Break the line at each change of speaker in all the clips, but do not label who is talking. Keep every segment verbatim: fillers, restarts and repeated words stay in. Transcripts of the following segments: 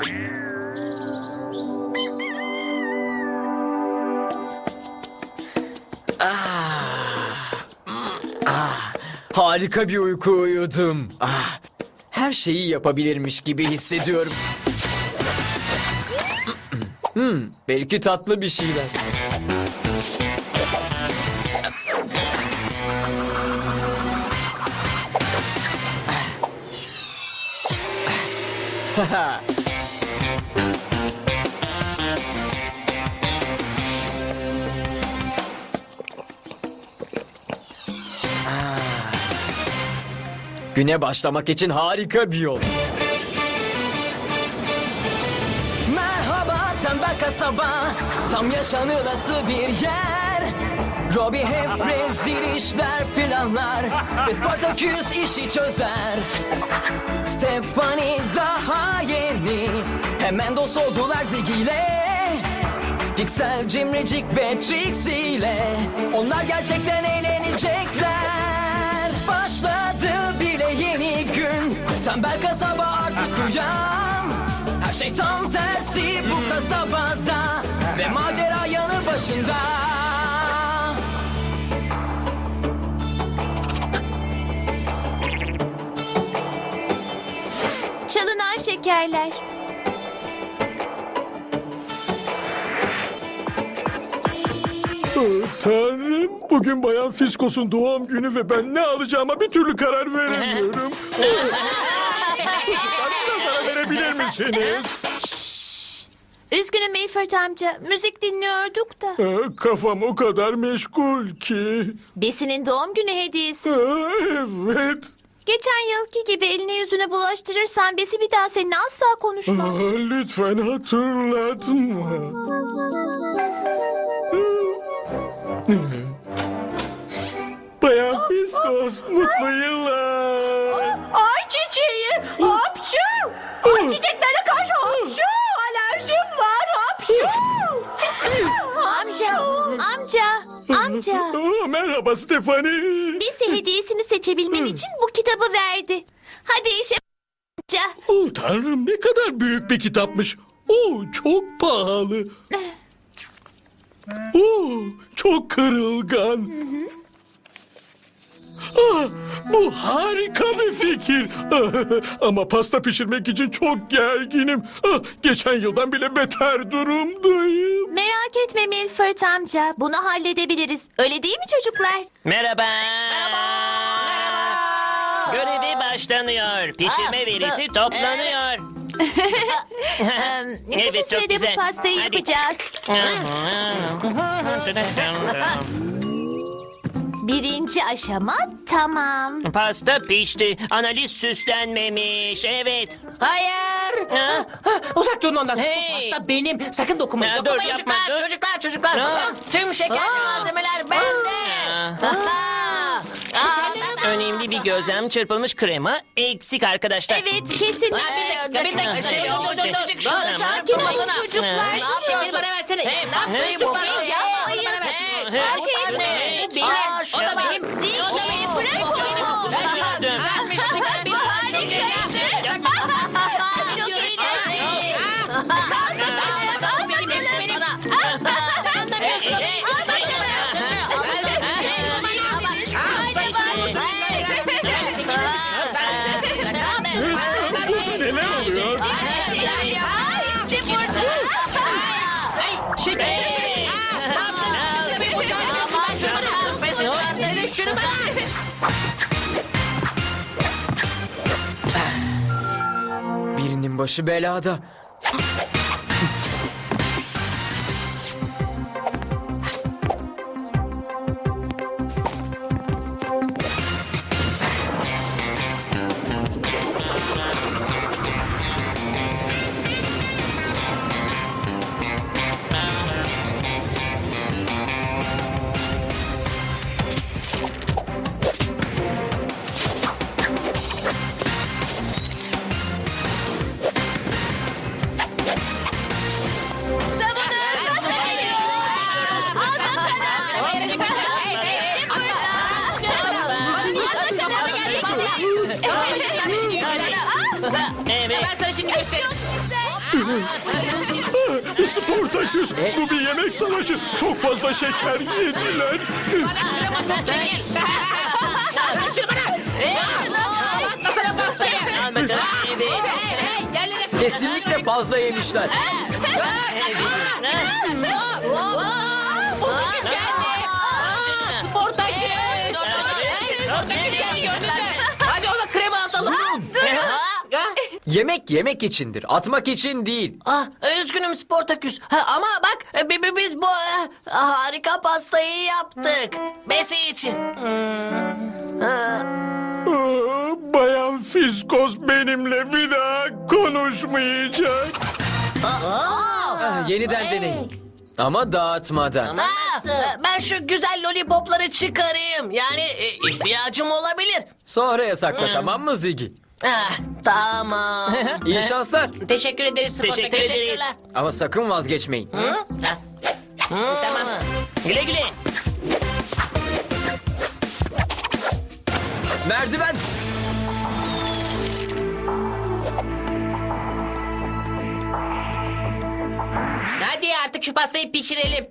Ah, ah, harika bir uyku uyudum. Ah, her şeyi yapabilirmiş gibi hissediyorum. Hmm, belki tatlı bir şeyler. Güne başlamak için harika bir yol. Merhaba tembel kasaba, tam yaşanılası bir yer. Robbie hep rezil işler planlar ve Spartaküs işi çözer. Stephanie daha yeni, hemen dost oldular Ziggy ile. Pixel, Cimricik ve Trixie ile onlar gerçekten eğlenecekler. Başladı bile yeni gün, tembel kasaba artık uyan. Her şey tam tersi bu kasabada ve macera yanı başında.
Çalınan şekerler.
Oh, Tanrım, bugün Bayan Fiskos'un doğum günü ve ben ne alacağıma bir türlü karar veremiyorum. Çocuklar, biraz ara verebilir misiniz?
Üzgünüm Milford amca. Müzik dinliyorduk da.
Ah, Kafam o kadar meşgul ki.
Besi'nin doğum günü hediyesi.
Ah, Evet.
Geçen yılki gibi eline yüzüne bulaştırırsan Besi bir daha seninle asla konuşmaz.
Ah, Lütfen hatırlatma. Bayan Fiskos, mutlu yıllar.
Ay çiçeği, hapşu! Ay çiçeklere karşı hapşu! Alerjim var, hapşu!
Amca, amca, amca.
Ah, merhaba Stephanie.
Besi hediyesini seçebilmen için bu kitabı verdi. Hadi işe amca.
Oh, Tanrım, ne kadar büyük bir kitapmış. Oh, çok pahalı. Oh, çok kırılgan. Ah, bu harika bir fikir. Ah, ama pasta pişirmek için çok gerginim. Ah, geçen yıldan bile beter durumdayım.
Merak etme Milford amca. Bunu halledebiliriz. Öyle değil mi çocuklar?
Merhaba. Merhaba. Görevi başlanıyor. Pişirme verisi toplanıyor.
Ee, kısa
Evet, çok
sürede
güzel.
bu pastayı
Hadi.
yapacağız. Birinci aşama tamam.
Pasta pişti. Analiz süslenmemiş. Evet.
Hayır!
Ha?
Uzak durun ondan.
Hey!
Bu pasta benim. Sakın dokunmayın.
Ya, dur,
dokunmayın
yapma,
çocuklar,
dur.
çocuklar, çocuklar.
Ha.
Tüm şekerli malzemeler bende.
Ha. Önemli bir gözlem, çırpılmış krema eksik arkadaşlar.
Evet kesinlikle.
Bir dakika, bir dakika. Şey, dur, dur, dur, dur. Şunu
Sakin olun
durmasana.
çocuklar.
Ne yapıyorsun? Bana versene. Hey, nasıl
Hey,
bu?
yapmayın.
Yapmayın. Hey,
Acele
anne.
etmeyin.
Aa, o da benim.
Zil,
O da benim.
bırak
O da benim.
onu.
Ben şuna
Dön.
düzeltmiş. Çıkar bir parça.
Çok eğlenceli. Çok eğlenceli.
Ben benim benim sana. Anlamıyorsun. Hey,
Neler oluyor?
İşte burada.
şeker. Bir bıçak. Şunu ben. Şunu ben.
Birinin başı belada.
Savunun. Pasta geliyor. Al bakalım. İşte burada.
Evet.
Ben sana şimdi göstereyim.
Çok güzel.
Sportaküs, bu bir yemek savaşı. Çok fazla şeker yediler.
Atmasana pastayı.
Al bakalım yedi.
Hey hey yerlere.
Kesinlikle fazla yemişler.
Portaküs geldi. Aa, Sportaküs. Portaküs geldi gördün mü? Hadi ona krema atalım.
Yemek yemek içindir, atmak için değil.
Ah, üzgünüm Sportaküs. Ha, ama bak e, bi- bi- biz bu e, harika pastayı yaptık. Besi için.
Aa, Bayan Fiskos benimle bir daha konuşmayacak.
Ah, yeniden deneyin. Ama dağıtmadan.
Aa, e, ben şu güzel lollipopları çıkarayım. Yani e, ihtiyacım olabilir.
Sonra yasakla, tamam mı Ziggy?
Ah, tamam.
İyi şanslar.
Teşekkür ederiz Sportaküs.
Teşekkür ederiz.
Teşekkürler.
Ama sakın vazgeçmeyin.
Tamam.
Güle güle.
Merdiven.
Hadi artık şu pastayı pişirelim.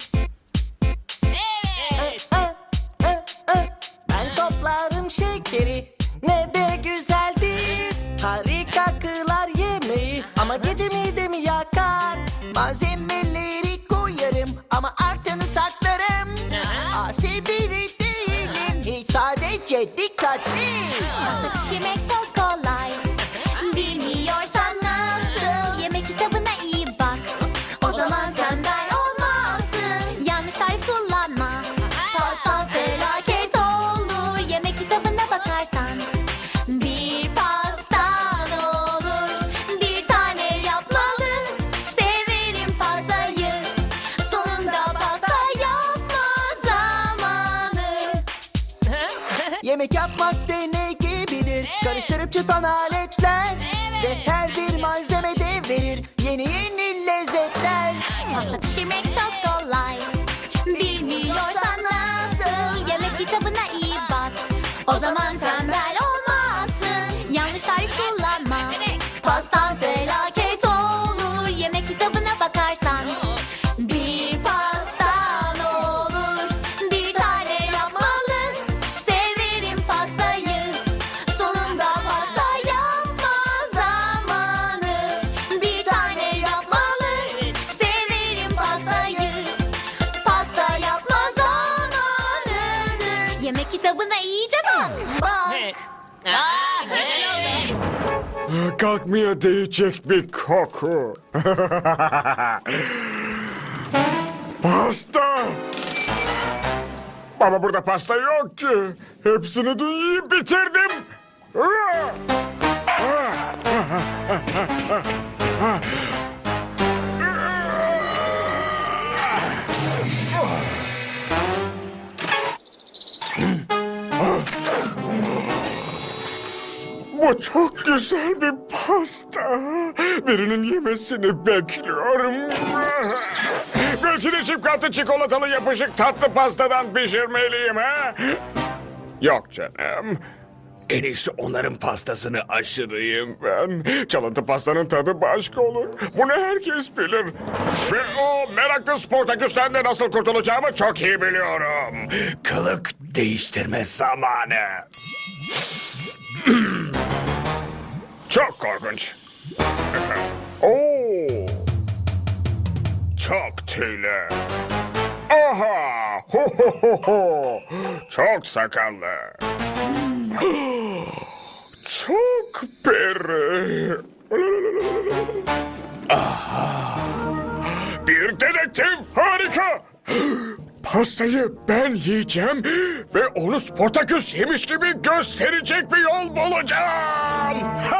Ben toplarım şekeri, ne de güzeldir. Harika kılar yemeği ama gece midemi yakar. Malzemeleri koyarım ama artanı saklarım. Asi biri değilim, hiç sadece dikkatli.
Pişirmek çok kolay. Bilmiyorsan nasıl, yemek kitabına iyi bak. O zaman tembel olmazsın. Yanlış tarif kullanma. Pasta felaket olur. Yemek kitabına bakarsan. Bir pastan olur. Bir tane yapmalı. Severim pastayı. Sonunda pasta yapma zamanı.
Yemek yapmak deney gibidir. Karıştırıp çırpan aletler. Ve her bir malzeme de verir yeni yeni lezzetler.
Pasta pişirmek çok kolay. Bilmiyorsan nasıl, yemek kitabına iyi bak. O zaman tembel olmazsın. Yanlış tarif kullanma. Pastan felaket olur. Yemek kitabına bakarsan. Bir pastan olur. Bir tane yapmalı. Severim pastayı. Sonunda pasta yapma zamanı. Bir tane yapmalı. Severim pastayı. Pasta yapma zamanıdır. Yemek kitabına iyice bak.
He.
Aa, güzel oldu.
Kalkmaya değecek bir koku. Pasta! Ama burada pasta yok ki. Hepsini dün yiyip bitirdim. Bu çok güzel bir pasta. Birinin yemesini bekliyorum. Belki de çikolata çikolatalı yapışık tatlı pastadan pişirmeliyim ha? Yok canım. En iyisi onların pastasını aşırıyım ben. Çalıntı pastanın tadı başka olur. Bunu herkes bilir. Ve o meraklı Sportaküs'ten de nasıl kurtulacağımı çok iyi biliyorum. Kılık değiştirme zamanı. Çok korkunç. Oo. Çok tüylü. Aha! Ho ho ho ho! Çok sakallı. Çok peri. Aha! Bir dedektif, harika. Pastayı ben yiyeceğim ve onu Sportaküs yemiş gibi gösterecek bir yol bulacağım.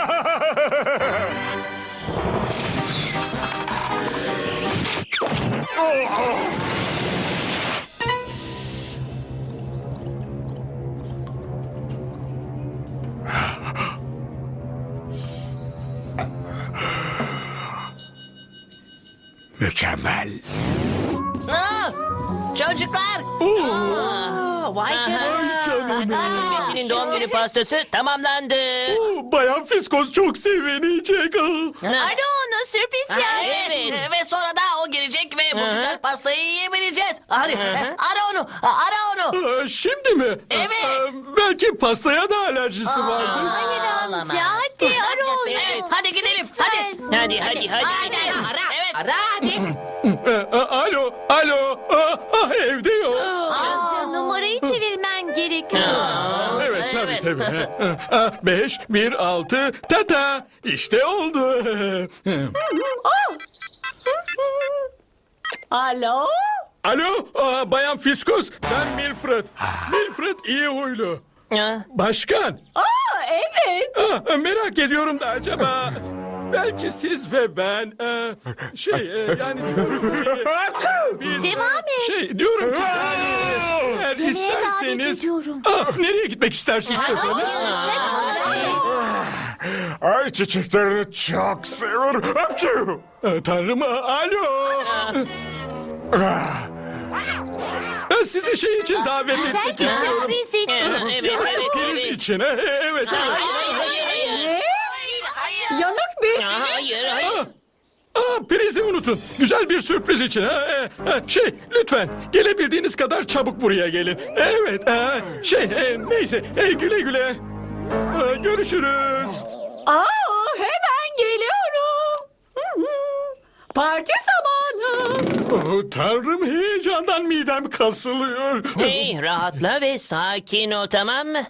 Mükemmel.
Aa, çocuklar.
Oo,
Aa, vay canına.
ay canına.
Besinin doğum günü pastası tamamlandı.
Bayan Fiskos çok sevinecek.
Ara onu sürpriz
Ha,
yap.
evet.
Ve sonra da o gelecek ve bu güzel pastayı yiyebileceğiz. Hadi ara onu, ara onu.
Aa, Şimdi mi?
Evet.
Aa, Belki pastaya da alerjisi vardır.
Hayır amca hadi ara onu.
Evet, hadi gidelim, hadi.
Hadi hadi hadi.
Hadi, ara, evet. Ara hadi.
Aa, Alo, alo. Aa, ah, evde yok.
Amca numarayı çevirmen gerekiyor.
Evet, tabii tabii. Aa, Beş, bir, altı, tata. İşte oldu.
Alo?
Alo, aa, Bayan Fiskos. Ben Milfred. Milfred iyi huylu.
Ha,
Başkan.
Aa, evet.
Aa, merak ediyorum da acaba... Belki siz ve ben... e, şey, e, yani diyorum ki... Biz,
Devam et.
Şey, diyorum ki yani... Eğer
Yemeğe davet
isterseniz...
ediyorum.
Aa, nereye gitmek istersiniz
Hayır
efendim?
sen onu söyle.
Ay çiçeklerini çok seviyorum. Apçu!
Aa, Tanrım, aa, alo.
Ah,
Ben sizi şey için davet etmek
Belki
istiyorum.
sürpriz için.
evet evet
Priz
evet.
için, ha, evet.
Hayır hayır hayır.
Ne? Yanık bir...
Ya, hayır hayır.
Aa, prizi unutun. Güzel bir sürpriz için. Ha, e, ha, şey, lütfen gelebildiğiniz kadar çabuk buraya gelin. Evet, ha, şey, e, neyse, e, güle güle. Ha, görüşürüz.
Aa, hemen geliyorum. Hı hı. Parti zamanı.
Oh, Tanrım, heyecandan midem kasılıyor.
Hey rahatla ve sakin ol tamam mı?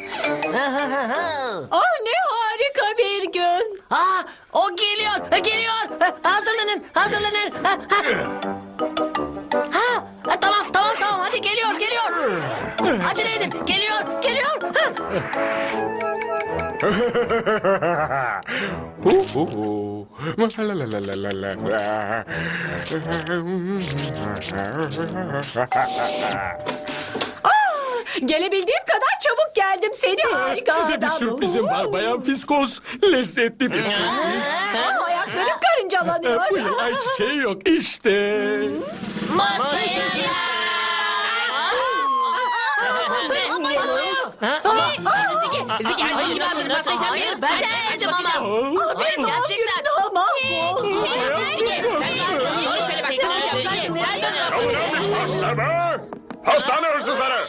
Ah ne harika bir gün.
Aa, o geliyor, geliyor. Ha, Hazırlanın, hazırlanın. Ha, ha. Ha, ha, tamam, tamam, tamam. Hadi geliyor, geliyor. Acele edin, geliyor, geliyor. Ha.
hu, hu, hu. La, la, la, la, la, la,
Gelebildiğim kadar çabuk geldim seni harika
Size bir
adam.
sürprizim var Bayan Fiskos. Lezzetli bir sürpriz.
Aa, ayaklarım karıncalanıyor.
Bu yıl ayçiçeği yok işte.
Ha?
Zeki,
Hayır, nasıl, nasıl?
Hayır, ben demedim ama.
Aa,
Benim doğum
Gerçekten.
günüm daha mahvoldu.
Pasta mı? Pastane hırsızları.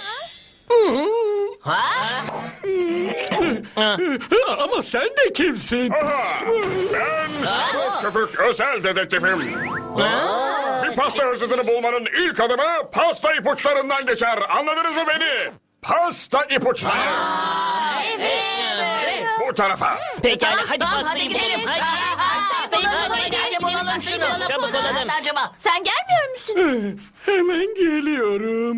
Ama sen de kimsin?
Aha, ben Scott Köpük özel dedektifim. Bir pasta hırsızını bulmanın ilk adımı pasta ipuçlarından geçer. Anladınız mı beni? Pasta ipuçları. Bu tarafa.
Pekala hadi
Tamam,
pastayı
hadi gidelim.
bulalım. Hadi.
Hadi, hadi bulalım şunu.
Çabuk olalım.
Nerede acaba?
Sen gelmiyor musun?
Hemen geliyorum.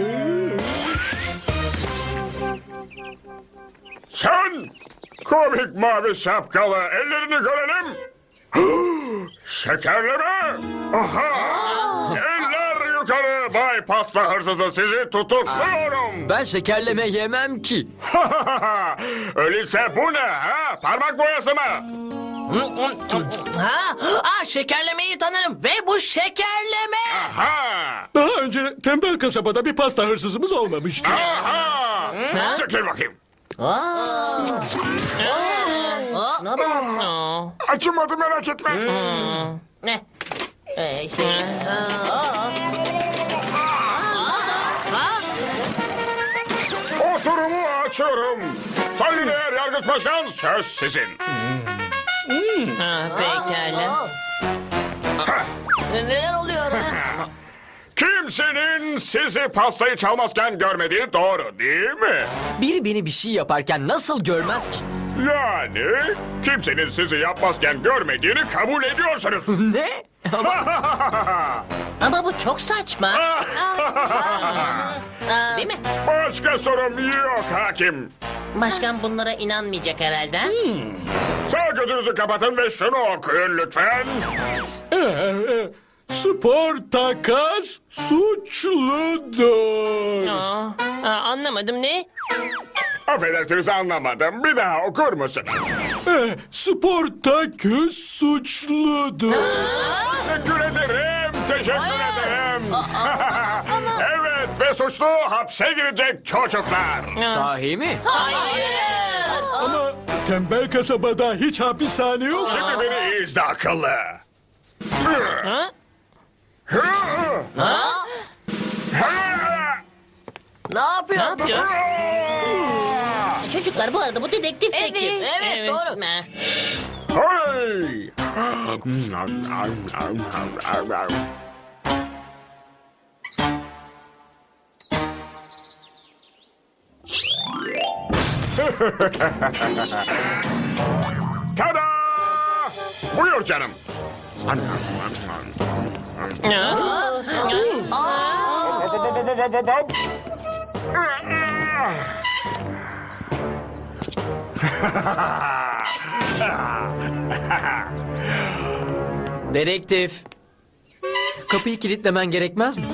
Sen komik mavi şapkalı ellerini görelim. Şekerleme. Aha. Eller yukarı Bay Pasta hırsızı sizi tutukluyorum.
Ben şekerleme yemem ki.
Öyleyse bu ne ha? Parmak boyası mı?
Ha? Aa, şekerlemeyi tanırım ve bu şekerleme.
Ha.
Daha önce tembel kasabada bir pasta hırsızımız olmamıştı.
Aha. Çekil bakayım.
Aa.
Acımadı merak etme.
Ne? Ee, şey...
Oturumu açıyorum. Saygıdeğer Yargıç Başkan söz sizin.
Ha, pekala.
Neler oluyor? ha?
Kimsenin sizi pastayı çalmazken görmediği doğru değil mi?
Biri beni bir şey yaparken nasıl görmez ki?
Yani kimsenin sizi yapmazken görmediğini kabul ediyorsunuz.
Ne?
Ama bu çok saçma. Değil mi?
Başka sorum yok hakim.
Başkan bunlara inanmayacak herhalde.
Sağ gözünüzü kapatın ve şunu okuyun lütfen.
Ee, e, Sportakas suçludur.
Aa, aa, anlamadım ne?
Affedersiniz anlamadım. Bir daha okur musunuz?
Ee, Sportaküs suçludur.
Teşekkür ederim. Teşekkür
Hayır.
ederim. Evet ve suçlu hapse girecek çocuklar.
Sahi mi?
Ama tembel kasabada hiç hapishane yok.
Şimdi beni iyi izle akıllı.
Ha?
Ne yapıyor?
Ne yapıyor?
Çocuklar bu arada bu dedektif de kim?
Evet.
Evet, doğru.
Ha.
Hey! Tada! Buyur canım.
Dedektif. Kapıyı kilitlemen gerekmez mi?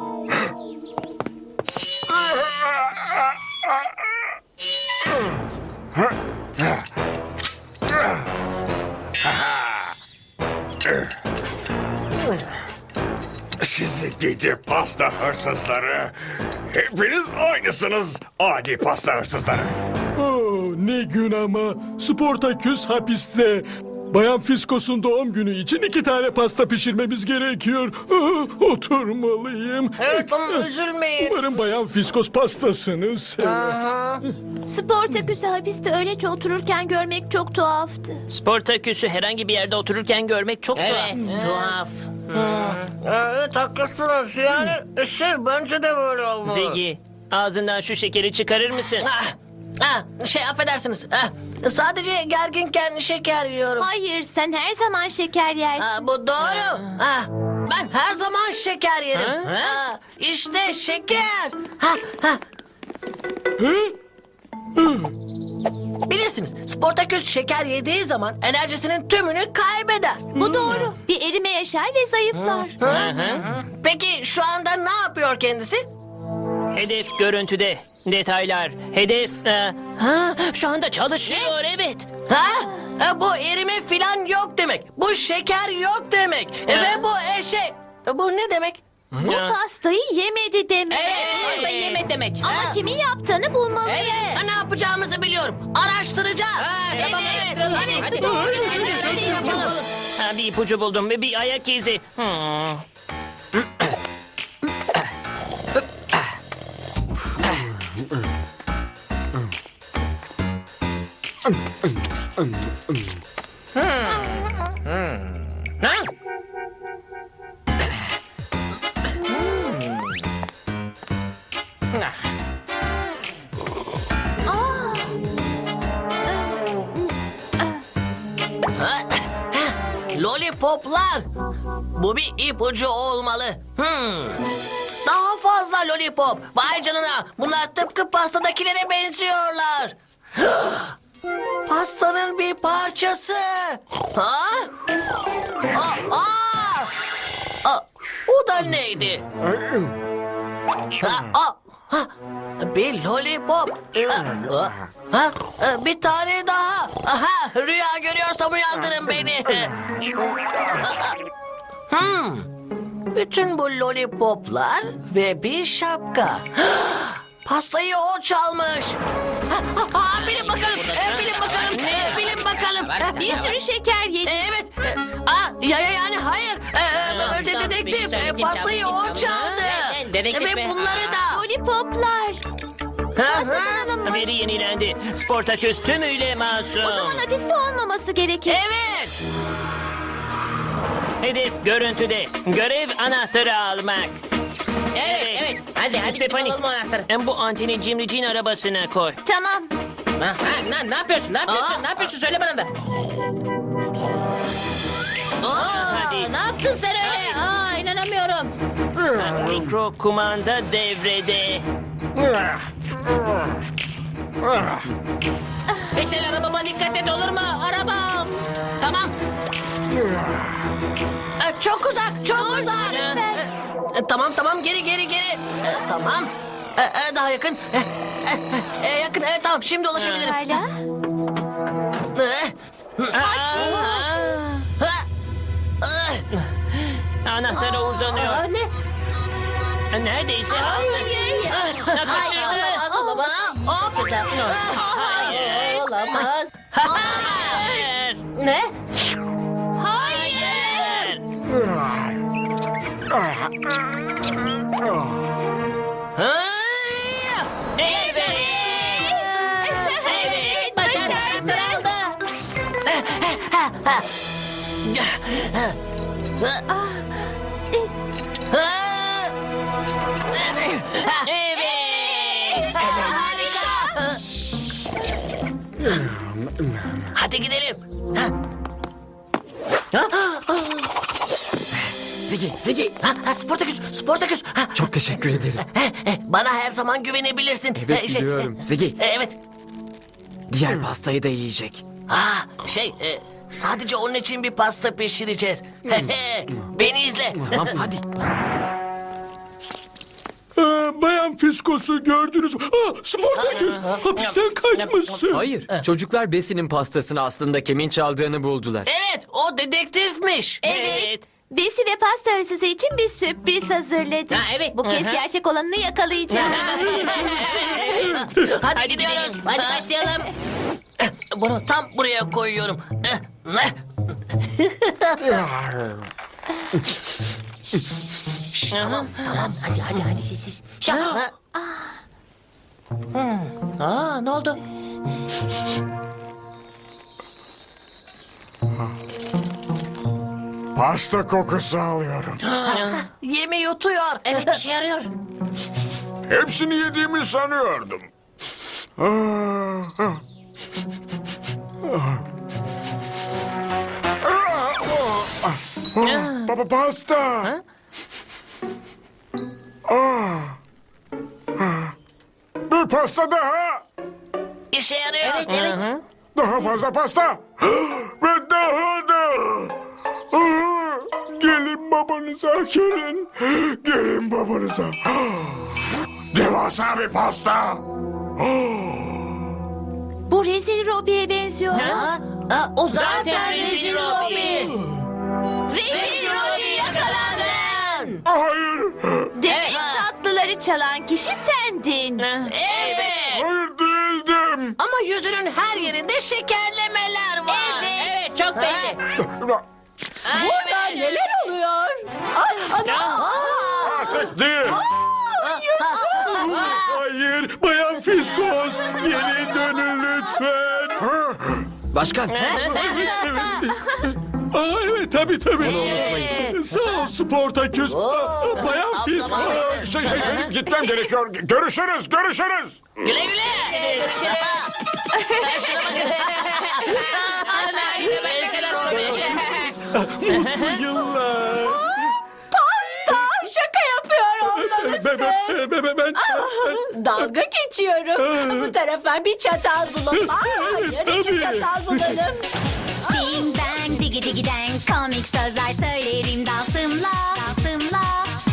Sizi gidi pasta hırsızları. Hepiniz aynısınız adi pasta hırsızları.
Oh, ne gün ama. Sportaküs hapiste. Bayan Fiskos'un doğum günü için iki tane pasta pişirmemiz gerekiyor. Ah, oturmalıyım.
Evet ama üzülmeyin.
Umarım Bayan Fiskos pastasını sever.
Sportaküs'ü hapiste öylece otururken görmek çok tuhaftı.
Sportaküs'ü herhangi bir yerde otururken görmek çok tuhaf.
Evet, tuhaf.
Evet haklısınız. Yani şey bence de böyle olmalı.
Ziggy, ağzından şu şekeri çıkarır mısın?
Ah, ah, şey affedersiniz. Ah, sadece gerginken şeker yiyorum.
Hayır, sen her zaman şeker yersin.
Ah, bu doğru. Ah, ben her zaman şeker yerim.
Ha?
Ah, işte şeker. Ha, ha. Bilirsiniz Sportaküs şeker yediği zaman enerjisinin tümünü kaybeder.
Bu doğru. Bir erime yaşar ve zayıflar.
Peki şu anda ne yapıyor kendisi?
Hedef görüntüde. Detaylar. Hedef... e, ha, şu anda çalışıyor, evet.
Ha? E, bu erime filan yok demek. Bu şeker yok demek. E, ve bu e, şey... e, bu ne demek?
Bu pastayı yemedi demek.
Evet, pastayı yeme demek.
Ama kimin yaptığını bulmalıyız.
Ha, ne yapacağımızı biliyorum. Araştıracağız.
Evet, evet. Hadi, hadi, hadi, hadi, hadi yapalım.
Ha, bir ipucu buldum ve bir ayak izi. Hmm.
Ha?
Lollipoplar. Bu bir ipucu olmalı. Hmm. Daha fazla lollipop. Vay canına. Bunlar tıpkı pastadakilere benziyorlar. Pastanın bir parçası. Ha? Aa, aa! Aa, o da neydi? Ha, aa, ha, bir lollipop. Ha, ha, ha, bir tane daha. Aha, rüya görüyorsam uyandırın beni. Hmm. Bütün bu lollipoplar ve bir şapka. Pastayı o çalmış. Ha, ha, ha, bilin bakalım. E, bilin bakalım. E, bilin bakalım.
Bir sürü şeker yedi.
E, Evet. E, Aa, ya, ya yani hayır. E, e, de- dedektif. E, pastayı o çaldı.
Evet, dedektif
E,
be.
ve bunları da.
Lollipoplar.
Ha,
Pastadan
ha.
alınmış.
Biri yenilendi. Sportaküs tümüyle masum.
O zaman hapiste olmaması gerekir.
Evet.
Hedef görüntüde. Görev anahtarı almak.
Evet, evet. Hadi, hadi gidip
Stephanie,
alalım o anahtarı.
en bu Antini Cimrici'nin arabasına koy.
Tamam.
Ha, ha, ne, ne yapıyorsun? Ne yapıyorsun?
Aa.
Ne yapıyorsun? Söyle bana da. Aa,
Hadi.
ne yaptın sen öyle? Aa, inanamıyorum.
Mikro kumanda devrede.
Pixel arabama dikkat et olur mu? Arabam. Tamam.
E, çok uzak, çok uzak.
lütfen.
E, e, tamam, tamam, geri, geri, geri. E, tamam. E, e, daha yakın. E, e, e, yakın, evet tamam, şimdi ulaşabilirim.
Hala.
E,
Aa,
ha, e,
Anahtara uzanıyor.
Aa, ne?
Neredeyse aldı.
Hayır.
Ha, kaçırdı.
Olamaz, olamaz. Hop.
Hayır.
Olamaz.
Hayır.
Ne?
Hayır. Evet.
Evet, başardı.
Evet.
Harika. Hadi gidelim. Ziggy, Ziggy. Ha, ha, Sportaküs, Sportaküs. Ha,
Çok teşekkür ederim.
he, he, bana her zaman güvenebilirsin.
Evet,
He, şey,
biliyorum. Ziggy.
e, Evet.
Diğer pastayı da yiyecek.
Ha, şey, e, sadece onun için bir pasta pişireceğiz. He, he, Beni izle.
Tamam hadi.
Aa, Bayan Fiskos'u gördünüz mü? Aa, Sportaküs hapisten kaçmışsın.
Hayır. Çocuklar Besi'nin pastasını aslında kimin çaldığını buldular.
Evet, o dedektifmiş.
Evet. Besi ve pasta hırsızı için bir sürpriz hazırladım.
Ha, evet.
Bu kez
Hı hı.
gerçek olanını yakalayacağım.
Hadi,
Hadi
gidiyoruz.
gidelim.
Hadi başlayalım. Bunu tam buraya koyuyorum. Eh, ne? Tamam, tamam. Hadi, hadi, hadi sessiz. Şap. Ha. Hmm. Aa, ne oldu?
Pasta kokusu alıyorum.
Yemi yutuyor. Evet, işe yarıyor.
Hepsini yediğimi sanıyordum. Ah, ah. Ah. Ah, ah, ah. Baba pasta. Ah. Ah. Bir pasta daha.
İşe yarıyor. Evet,
Daha fazla pasta. Ve daha da. Ah. Gelin babanıza gelin. Gelin babanıza. Devasa bir pasta.
Bu rezil Robbie'ye benziyor.
Ha? Ha, o zaten,
Zaten
rezil
rezil
Robbie.
Rezil Robbie yakalandın.
Hayır.
Demek tatlıları çalan kişi sendin.
Evet.
Hayır değildim.
Ama yüzünün her yerinde şekerlemeler var.
Evet.
Evet, çok belli.
Burada neler oluyor? Ay, ana.
Artık değil.
Hayır, Bayan Fiskos geri dönün lütfen.
Başkan.
Aa, evet tabii tabii. Sağ ol Sportaküs. Aa, Bayan Fiskos.
Şey, şey, benim gitmem gerekiyor. Görüşürüz, görüşürüz.
Güle güle. Ben şuna bakın. Rezil Robbie.
Mutlu yıllar.
Pasta. Şaka yapıyor olmalısın.
Be, be, be, be, ben...
Dalga geçiyorum. Bu tarafa bir çatal bulalım. Hayır, iki
tabii.
çatal bulalım.
Bing bang digi digi dang komik sözler söylerim dansımla dansımla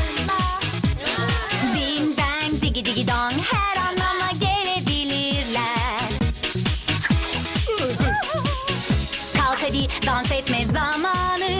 Bing bang digi digi dong her anlama gelebilirler Kalk hadi dans etme zamanı